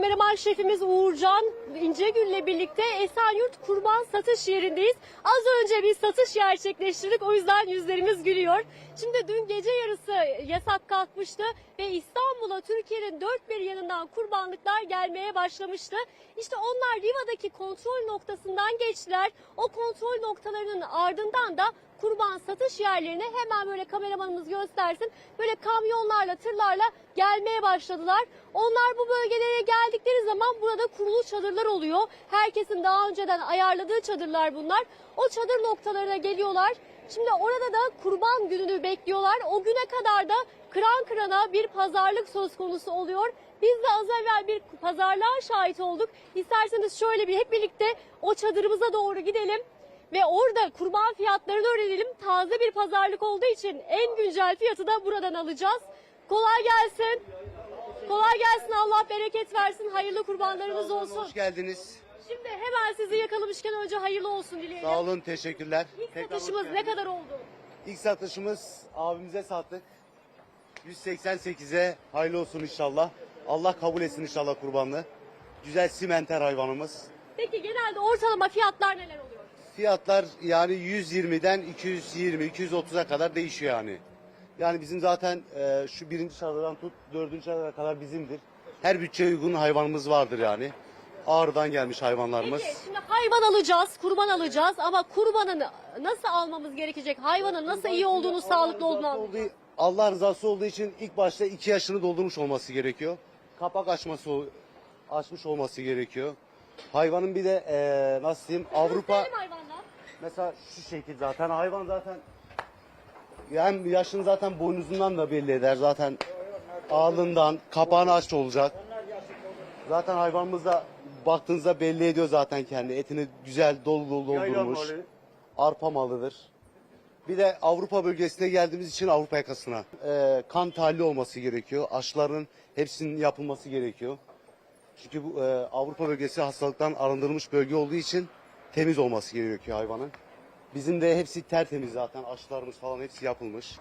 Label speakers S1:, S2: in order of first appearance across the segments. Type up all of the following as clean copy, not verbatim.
S1: Kameraman şefimiz Uğurcan İncegül'le birlikte Esenyurt Kurban Satış Yerindeyiz. Az önce bir satış gerçekleştirdik, o yüzden yüzlerimiz gülüyor. Şimdi dün gece yarısı yasak kalkmıştı ve İstanbul'a Türkiye'nin dört bir yanından kurbanlıklar gelmeye başlamıştı. İşte onlar Riva'daki kontrol noktasından geçtiler. O kontrol noktalarının ardından da kurban satış yerlerine hemen böyle kameramanımız göstersin. Böyle kamyonlarla, tırlarla gelmeye başladılar. Onlar bu bölgelere geldikleri zaman burada kurulu çadırlar oluyor. Herkesin daha önceden ayarladığı çadırlar bunlar. O çadır noktalarına geliyorlar. Şimdi orada da kurban gününü bekliyorlar. O güne kadar da kıran kırana bir pazarlık söz konusu oluyor. Biz de az evvel bir pazarlığa şahit olduk. İsterseniz şöyle bir hep birlikte o çadırımıza doğru gidelim. Ve orada kurban fiyatlarını öğrenelim. Taze bir pazarlık olduğu için en güncel fiyatı da buradan alacağız. Kolay gelsin. Kolay gelsin. Allah bereket versin. Hayırlı kurbanlarınız olsun.
S2: Hoş geldiniz.
S1: Şimdi hemen sizi yakalamışken önce hayırlı olsun dileyelim.
S2: Sağ olun, teşekkürler.
S1: İlk satışımız ne kadar oldu?
S2: İlk satışımız abimize sattık. 188'e hayırlı olsun inşallah. Allah kabul etsin inşallah kurbanlığı. Güzel simenter hayvanımız.
S1: Peki genelde ortalama fiyatlar neler oluyor?
S2: Fiyatlar yani 120'den 220-230'a kadar değişiyor yani. Yani bizim zaten şu birinci çadırdan tut dördüncü çadıra kadar bizimdir. Her bütçeye uygun hayvanımız vardır yani. Ağrı'dan gelmiş hayvanlarımız.
S1: Peki şimdi hayvan alacağız, kurban alacağız ama kurbanı nasıl almamız gerekecek? Hayvanın nasıl iyi olduğunu, sağlıklı olduğunu anlayacağız.
S2: Allah rızası olduğu için ilk başta 2 yaşını doldurmuş olması gerekiyor. Kapak açmış olması gerekiyor. Hayvanın bir de nasıl diyeyim Avrupa mesela şu şekil zaten hayvan zaten yani yaşını zaten boynuzundan da belli eder zaten ağlından kapağını aç olacak. Zaten hayvanımız da baktığınızda belli ediyor zaten kendi etini güzel dolu dolu doldurmuş. Arpa malıdır. Bir de Avrupa bölgesine geldiğimiz için Avrupa yakasına kan tahlili olması gerekiyor. Aşıların hepsinin yapılması gerekiyor. Çünkü bu Avrupa bölgesi hastalıktan arındırılmış bölge olduğu için temiz olması gerekiyor hayvanın. Bizim de hepsi tertemiz zaten. Aşılarımız falan hepsi yapılmış.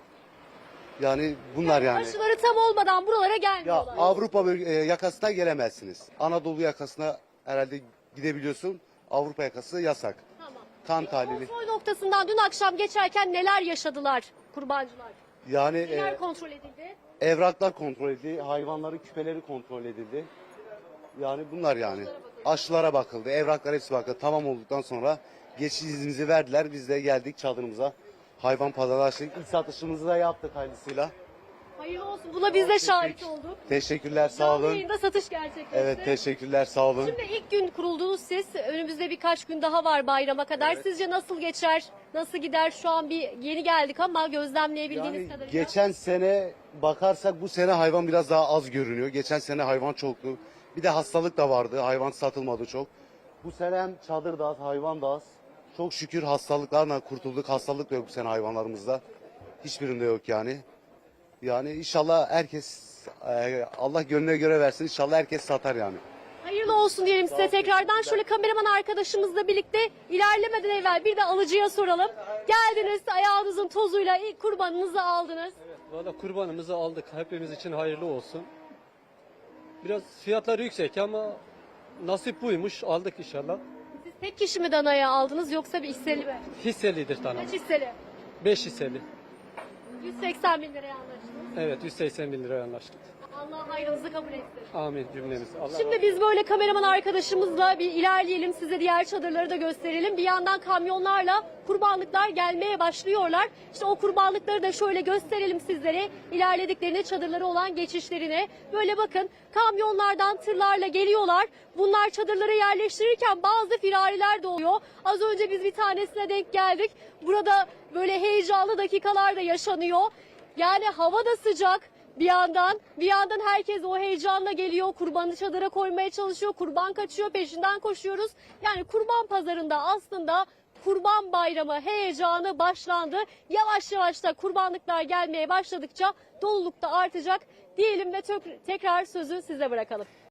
S2: Yani bunlar yani.
S1: Aşıları tam olmadan buralara
S2: Ya
S1: gelmiyorlar.
S2: Avrupa yakasına gelemezsiniz. Anadolu yakasına herhalde gidebiliyorsun. Avrupa yakası yasak.
S1: Tamam.
S2: Kan tahlili.
S1: Kontrol noktasından dün akşam geçerken neler yaşadılar kurbancılar?
S2: Yani
S1: Neler kontrol edildi?
S2: evraklar kontrol edildi. Hayvanların küpeleri kontrol edildi. Yani bunlar yani. Aşılara bakıldı. Evraklar hepsi bakıldı. Tamam olduktan sonra geçiş iznimizi verdiler. Biz de geldik çadırımıza. Hayvan pazarı açtık. İlk satışımızı da yaptık hayırlısıyla.
S1: Hayırlı olsun. Buna biz de şahit olduk.
S2: Teşekkürler sağ
S1: Canlı
S2: olun.
S1: yayında satış gerçekleşti.
S2: Evet teşekkürler sağ olun.
S1: Şimdi ilk gün kuruldunuz siz. Önümüzde birkaç gün daha var bayrama kadar.
S2: Evet.
S1: Sizce nasıl geçer? Nasıl gider? Şu an bir yeni geldik ama gözlemleyebildiğiniz
S2: Yani
S1: kadarıyla.
S2: geçen sene bakarsak bu sene hayvan biraz daha az görünüyor. Geçen sene hayvan çoktu. Bir de hastalık da vardı. Hayvan satılmadı çok. Bu sene hem çadır da az, hayvan da az. Çok şükür hastalıklarla kurtulduk. Hastalık da yok bu sene hayvanlarımızda. Hiçbirinde yok yani. Yani inşallah herkes Allah gönlüne göre versin. İnşallah herkes satar yani.
S1: Hayırlı olsun diyelim size tekrardan. Şöyle kameraman arkadaşımızla birlikte ilerlemeden evvel bir de alıcıya soralım. Geldiniz ayağınızın tozuyla ilk kurbanınızı aldınız.
S3: Valla kurbanımızı aldık. Hepimiz için hayırlı olsun. Biraz fiyatları yüksek ama nasip buymuş. Aldık inşallah.
S1: Siz tek kişi mi danaya aldınız yoksa bir hisseli mi?
S3: Hisselidir tanım.
S1: Kaç hisseli?
S3: 5 hisseli.
S1: 180 bin liraya anlaştınız.
S3: Evet 180 bin liraya anlaştık.
S1: Allah hayrınızı kabul etsin.
S3: Amin cümlemiz. Allah
S1: Şimdi biz böyle kameraman arkadaşımızla bir ilerleyelim. Size diğer çadırları da gösterelim. Bir yandan kamyonlarla kurbanlıklar gelmeye başlıyorlar. İşte o kurbanlıkları da şöyle gösterelim sizlere. İlerlediklerine çadırları olan geçişlerine. Böyle bakın kamyonlardan tırlarla geliyorlar. Bunlar çadırlara yerleştirirken bazı firariler de oluyor. Az önce biz bir tanesine denk geldik. Burada böyle heyecanlı dakikalar da yaşanıyor. Yani hava da sıcak. Bir yandan herkes o heyecanla geliyor, kurbanı çadıra koymaya çalışıyor, kurban kaçıyor, peşinden koşuyoruz. Yani kurban pazarında aslında kurban bayramı heyecanı başlandı. Yavaş yavaş da kurbanlıklar gelmeye başladıkça doluluk da artacak diyelim ve tekrar sözü size bırakalım.